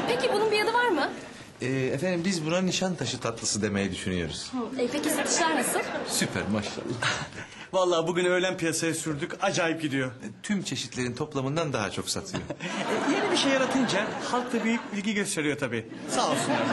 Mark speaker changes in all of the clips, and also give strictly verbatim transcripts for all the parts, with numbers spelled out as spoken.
Speaker 1: Peki bunun bir adı var mı?
Speaker 2: Ee, efendim biz buna Nişantaşı tatlısı demeyi düşünüyoruz.
Speaker 1: E, peki satışlar nasıl?
Speaker 2: Süper maşallah.
Speaker 3: Vallahi bugün öğlen piyasaya sürdük. Acayip gidiyor.
Speaker 2: Tüm çeşitlerin toplamından daha çok satıyor.
Speaker 3: E, yeni bir şey yaratınca halk da büyük ilgi gösteriyor tabii. Sağ olsunlar.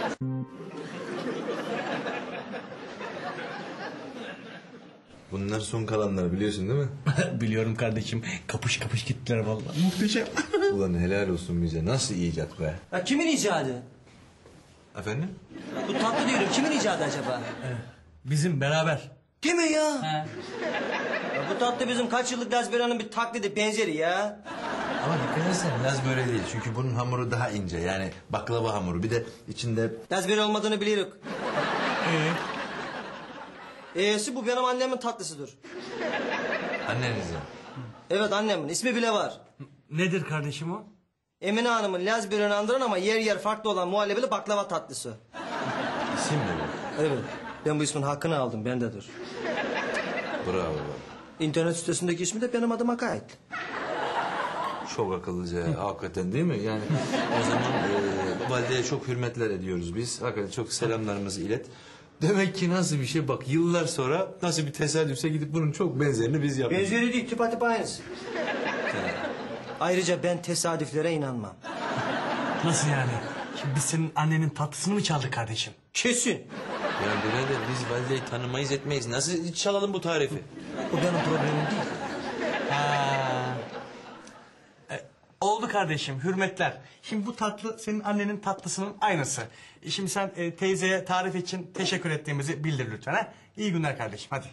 Speaker 2: Bunlar son kalanlar biliyorsun değil mi?
Speaker 3: Biliyorum kardeşim. Kapış kapış gittiler vallahi. Muhteşem.
Speaker 2: Ulan helal olsun bize. Nasıl icat be?
Speaker 4: Ya kimin icadı?
Speaker 2: Efendim?
Speaker 4: Bu tatlı diyorum kimin icadı acaba?
Speaker 3: Bizim beraber.
Speaker 4: Değil mi ya?
Speaker 3: He.
Speaker 4: Ya bu tatlı bizim kaç yıllık Lazbera'nın bir taklidi benzeri ya.
Speaker 2: Ama dikkat etsen Laz böyle değil. Çünkü bunun hamuru daha ince. Yani baklava hamuru. Bir de içinde...
Speaker 4: Lazbera olmadığını biliyoruz.
Speaker 3: Ee?
Speaker 4: E'si bu benim annemin tatlısıdır.
Speaker 2: Annenizin.
Speaker 4: Evet annemin ismi bile var.
Speaker 3: Nedir kardeşim o?
Speaker 4: Emine Hanım'ın Lazbera'nı andıran ama yer yer farklı olan muhallebili baklava tatlısı.
Speaker 2: İsim mi bu?
Speaker 4: Evet ben bu ismin hakkını aldım bendedir.
Speaker 2: Bravo.
Speaker 4: İnternet sitesindeki ismi de benim adıma kayıt.
Speaker 2: Çok akıllıca hakikaten değil mi? Yani o zaman e, valideye çok hürmetler ediyoruz biz. Hakikaten çok selamlarımızı ilet. Demek ki nasıl bir şey bak yıllar sonra nasıl bir tesadüfse gidip bunun çok benzerini biz yaptık.
Speaker 4: Benzeri değil tıpatıp aynısı. Ayrıca ben tesadüflere inanmam.
Speaker 3: Nasıl yani? Şimdi biz senin annenin tatlısını mı çaldık kardeşim?
Speaker 4: Kesin.
Speaker 2: Ya birader biz valideyi tanımayız etmeyiz. Nasıl çalalım bu tarifi?
Speaker 4: Bu benim problemim değil.
Speaker 3: Ha. E, oldu kardeşim, hürmetler. Şimdi bu tatlı senin annenin tatlısının aynısı. E, Şimdi sen e, teyzeye tarif için teşekkür ettiğimizi bildir lütfen. Ha? İyi günler kardeşim, hadi.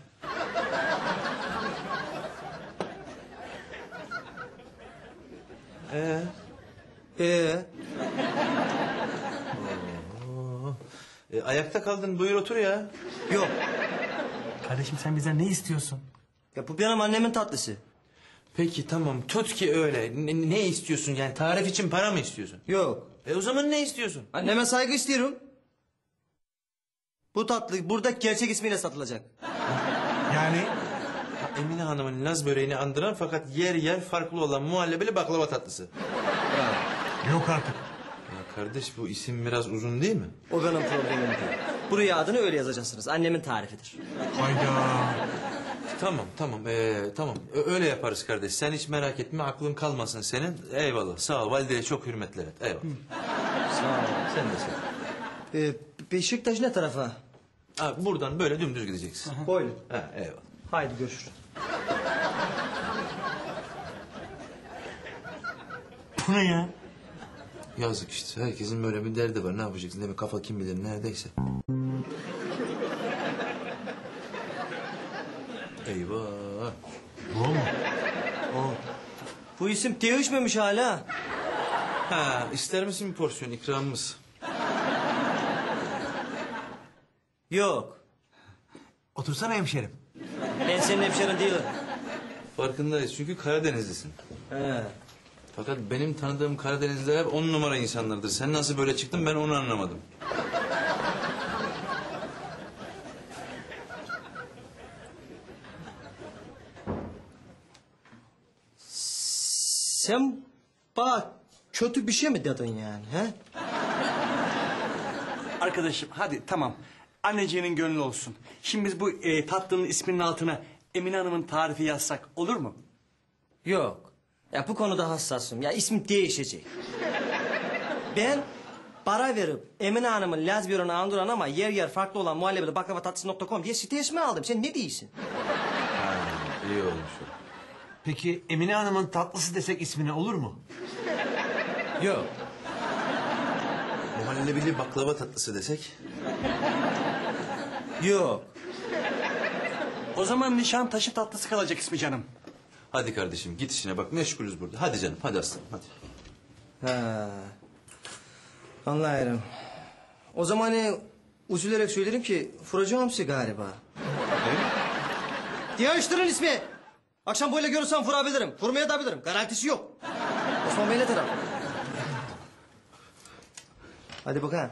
Speaker 4: Ee? Ee?
Speaker 2: E, ayakta kaldın buyur otur ya.
Speaker 4: Yok.
Speaker 3: Kardeşim sen bizden ne istiyorsun?
Speaker 4: Ya bu benim annemin tatlısı.
Speaker 2: Peki tamam tut ki öyle. Ne, ne istiyorsun yani tarif için para mı istiyorsun?
Speaker 4: Yok.
Speaker 2: E o zaman ne istiyorsun?
Speaker 4: Anneme saygı istiyorum. Bu tatlı burada gerçek ismiyle satılacak.
Speaker 3: Yani
Speaker 2: Ha, Emine Hanım'ın Laz böreğini andıran fakat yer yer farklı olan muhallebeli baklava tatlısı.
Speaker 3: yok artık.
Speaker 2: Ya kardeş bu isim biraz uzun değil mi?
Speaker 4: O benim problemim değil. Buraya adını öyle yazacaksınız. Annemin tarifidir.
Speaker 3: Hayda.
Speaker 2: Tamam tamam ee, tamam Ö- öyle yaparız kardeş. Sen hiç merak etme aklın kalmasın senin. Eyvallah sağ ol valideye çok hürmetler et. Eyvallah.
Speaker 4: Sağ ol.
Speaker 2: Sen de sağ ol.
Speaker 4: Ee, Beşiktaş ne tarafa?
Speaker 2: Ha, buradan böyle dümdüz gideceksin.
Speaker 4: Böyle.
Speaker 2: Ha, eyvallah.
Speaker 4: Haydi görüşürüz.
Speaker 3: Bu ne ya?
Speaker 2: Yazık işte herkesin böyle bir derdi var ne yapacaksın değil mi? Kafa kim bilir neredeyse. Eyvah.
Speaker 3: Bu mu?
Speaker 4: Bu isim değişmemiş hala.
Speaker 2: Ha, ister misin bir porsiyon ikramımız?
Speaker 4: Yok.
Speaker 3: Otursana hemşerim.
Speaker 4: Ben senin hemşerin değilim.
Speaker 2: Farkındayız çünkü Karadenizlisin.
Speaker 4: He.
Speaker 2: Fakat benim tanıdığım Karadenizliler hep on numara insanlardır. Sen nasıl böyle çıktın ben onu anlamadım.
Speaker 4: Sen bana kötü bir şey mi dedin yani? He?
Speaker 3: Arkadaşım hadi tamam. Anneciğinin gönlü olsun. Şimdi biz bu e, tatlının isminin altına Emine Hanım'ın tarifi yazsak olur mu?
Speaker 4: Yok. Ya bu konuda hassasım. Ya ismi değişecek. Ben para verip Emine Hanım'ın Lazbera'nı andıran ama yer yer farklı olan muhallebeli baklava tatlısı nokta com diye site ismi aldım. Sen ne diyorsun?
Speaker 2: Ha, iyi olmuş o.
Speaker 5: Peki Emine Hanım'ın tatlısı desek ismine olur mu?
Speaker 4: Yok.
Speaker 2: Muhallebili baklava tatlısı desek.
Speaker 4: Yok.
Speaker 3: O zaman Nişantaşı tatlısı kalacak ismi canım.
Speaker 2: Hadi kardeşim git işine bak meşgulüz burada. Hadi canım hadi aslanım hadi.
Speaker 4: Ha. Anlıyorum. O zaman hani üzülerek söylerim ki vuracağım sizi galiba. Değiştirin ismi. Akşam böyle görürsem vurabilirim. Vurmaya da bilirim. Garantisi yok. Osman Bey ne taraf? Hadi bakalım.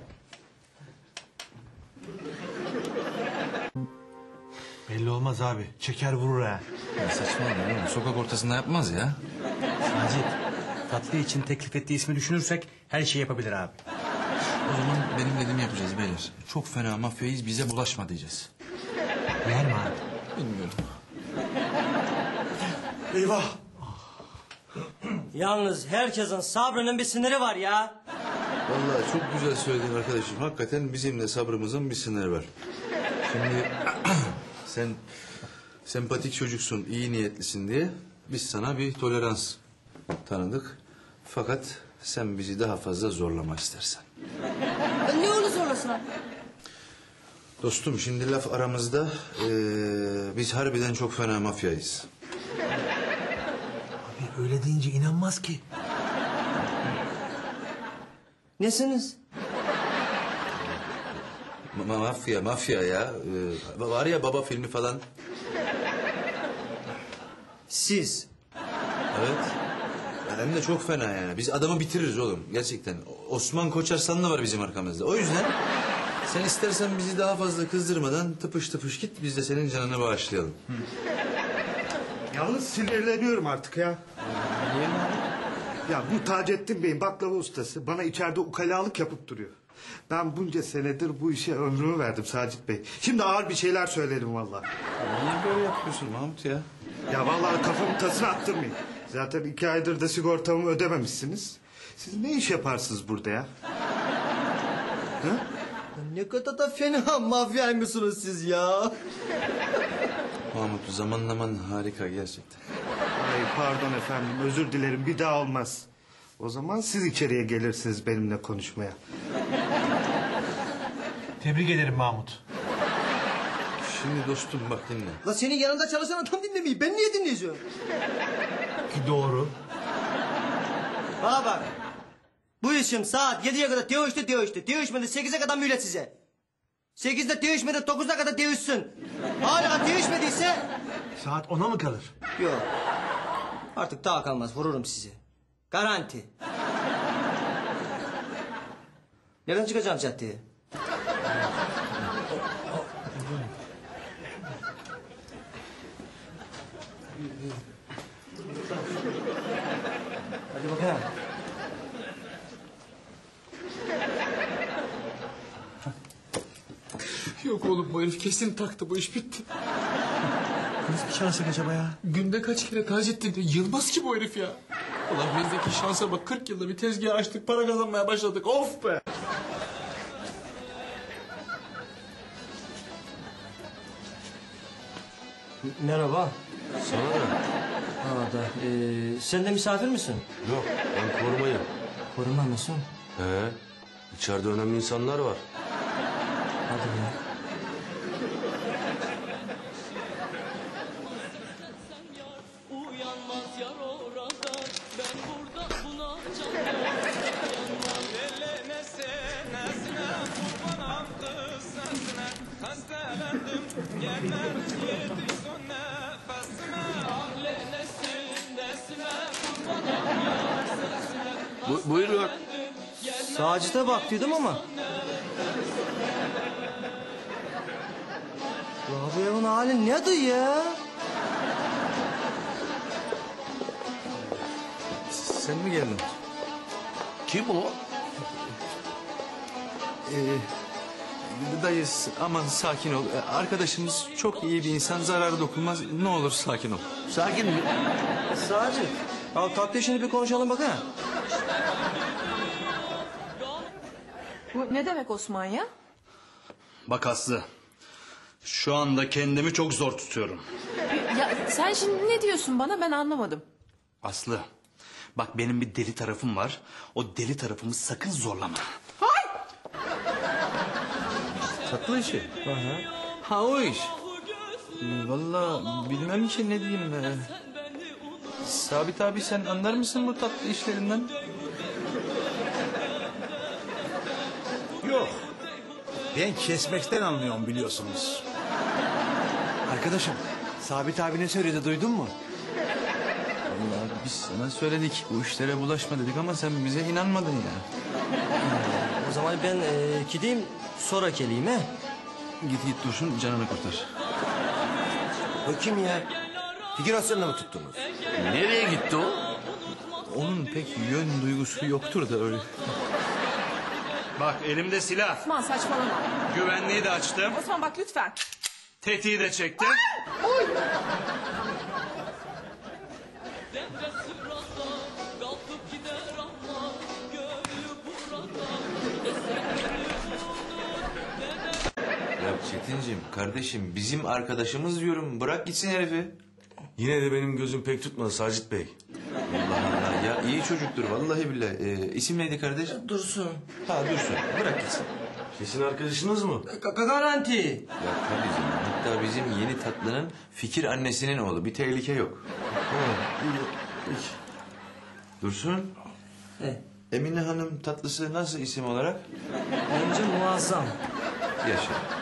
Speaker 5: Belli olmaz abi. Çeker vurur ha.
Speaker 2: Ya saçmalama oğlum sokak ortasında yapmaz ya.
Speaker 5: Sacit
Speaker 3: Tatlı için teklif ettiği ismi düşünürsek her şeyi yapabilir abi.
Speaker 2: O zaman benim dediğimi yapacağız beyler. Çok fena mafyayız, bize bulaşma diyeceğiz.
Speaker 3: Yer mi abi?
Speaker 2: Bilmiyorum.
Speaker 5: Eyvah.
Speaker 4: Yalnız herkesin sabrının bir sınırı var ya.
Speaker 2: Vallahi çok güzel söyledin arkadaşım. Hakikaten bizim de sabrımızın bir sınırı var. Şimdi sen sempatik çocuksun, iyi niyetlisin diye biz sana bir tolerans tanıdık. Fakat sen bizi daha fazla zorlama istersen.
Speaker 1: Ne olur zorlasın abi.
Speaker 2: Dostum şimdi laf aramızda eee, biz harbiden çok fena mafyayız.
Speaker 5: Abi öyle deyince inanmaz ki.
Speaker 4: Nesiniz?
Speaker 2: Ma- mafya mafya ya. Ee, var ya baba filmi falan.
Speaker 4: Siz.
Speaker 2: Evet. Hem de çok fena yani. Biz adamı bitiririz oğlum gerçekten. Osman Koçarslan da var bizim arkamızda. O yüzden sen istersen bizi daha fazla kızdırmadan tıpış tıpış git. Biz de senin canını bağışlayalım.
Speaker 6: Yalnız sinirleniyorum artık ya. Ya bu Taceddin Bey'in baklava ustası bana içeride ukalalık yapıp duruyor. Ben bunca senedir bu işe ömrümü verdim Sacit Bey. Şimdi ağır bir şeyler söylerim vallahi.
Speaker 2: Niye böyle yapıyorsun Mahmut ya?
Speaker 6: Ya vallahi kafamı tasına attırmayın. Zaten iki aydır da sigortamı ödememişsiniz. Siz ne iş yaparsınız burada ya?
Speaker 4: Ne kadar da fena mafyaymışsınız siz ya.
Speaker 2: Mahmut zamanlaman harika gerçekten.
Speaker 6: Ay pardon efendim, özür dilerim, bir daha olmaz. O zaman siz içeriye gelirsiniz benimle konuşmaya.
Speaker 5: Tebrik ederim Mahmut.
Speaker 2: Şimdi dostum bak dinle.
Speaker 4: La senin yanında çalışan adam dinlemeyi ben niye dinleyeceğim?
Speaker 5: Ki doğru.
Speaker 4: Bana bak. Bu işim saat yediye kadar dövüştü dövüştü. Dövüşmedi sekize kadar mühlet size. Sekizde dövüşmedi dokuzda kadar dövüşsün. Hala dövüşmediyse...
Speaker 5: Saat ona mı kalır?
Speaker 4: Yok. Artık daha kalmaz vururum sizi. Garanti. Nereden çıkacağım caddeye? Hadi bakalım.
Speaker 7: Yok oğlum bu herif kesin taktı, bu iş bitti.
Speaker 5: Nasıl bir şansı acaba ya?
Speaker 7: Günde kaç kere Taceddin diyor. Yılmaz ki bu herif ya. Ulan bizdeki şansa bak, kırk yılda bir tezgah açtık, para kazanmaya başladık. Of be.
Speaker 4: Merhaba.
Speaker 2: Sana da.
Speaker 4: Ha da. Ee, sen de misafir misin?
Speaker 8: Yok, ben korumayım.
Speaker 4: Koruma mısın?
Speaker 8: He, içeride önemli insanlar var.
Speaker 4: Hadi ya.
Speaker 9: Uyanmaz yar orada, ben burada buna can dayanmam. Ellemese nesine, kurbanam kız sesine. Hastalandım, gelmem yetiş son nefesime. Ahlenesin nesine, kurbanam yar sesine.
Speaker 8: Bu, buyurun.
Speaker 4: Sacit'e bak dedim ama. Ya bu evin hali nedir ya?
Speaker 2: Sen mi geldin?
Speaker 8: Kim o?
Speaker 2: Ee, dayı aman sakin ol. Ee, Arkadaşımız çok iyi bir insan, zararı dokunmaz. Ne olur sakin ol.
Speaker 8: Sakin mi?
Speaker 4: Sacit. Al tatlı işini bir konuşalım bak ha.
Speaker 1: Bu ne demek Osman ya?
Speaker 10: Bak Aslı, şu anda kendimi çok zor tutuyorum.
Speaker 1: Ya sen şimdi ne diyorsun bana, ben anlamadım.
Speaker 10: Aslı, bak benim bir deli tarafım var. O deli tarafımı sakın zorlama.
Speaker 2: Tatlı işi. Ha o iş. Ee, Vallahi bilmem ki ne diyeyim. Ee, Sabit abi sen anlar mısın bu tatlı işlerinden?
Speaker 11: Yok. Ben kesmekten anlıyorum biliyorsunuz.
Speaker 5: Arkadaşım, Sabit abi ne söyledi duydun mu?
Speaker 2: Vallahi biz sana söyledik. Bu işlere bulaşma dedik ama sen bize inanmadın ya.
Speaker 4: O zaman ben e, gideyim sonra geleyim he.
Speaker 2: Git git Dursun canını kurtar.
Speaker 11: O kim ya? Figürasyonla mı tuttunuz?
Speaker 8: Nereye gitti o?
Speaker 10: onun pek yön duygusu yoktur da öyle. Bak elimde silah.
Speaker 1: Osman saçmalama.
Speaker 10: Güvenliği de açtım.
Speaker 1: Osman bak lütfen.
Speaker 10: Tetiği de çektim.
Speaker 9: Devre sırada kalkıp gider ama gönlü burada.
Speaker 2: Ya Çetinciğim kardeşim bizim arkadaşımız diyorum bırak gitsin herifi. Yine de benim gözüm pek tutmadı Sacit Bey. Allah Allah ya iyi çocuktur vallahi billahi. Ee, isim neydi kardeş?
Speaker 4: Dursun.
Speaker 2: Ha Dursun bırak gitsin.
Speaker 8: Kesin arkadaşınız mı?
Speaker 4: Ga- garanti.
Speaker 2: Ya tabii canım. Hatta bizim yeni tatlının fikir annesinin oğlu. Bir tehlike yok. Dursun.
Speaker 4: He.
Speaker 2: Emine Hanım tatlısı nasıl isim olarak?
Speaker 4: Bence muazzam.
Speaker 2: Yaşa.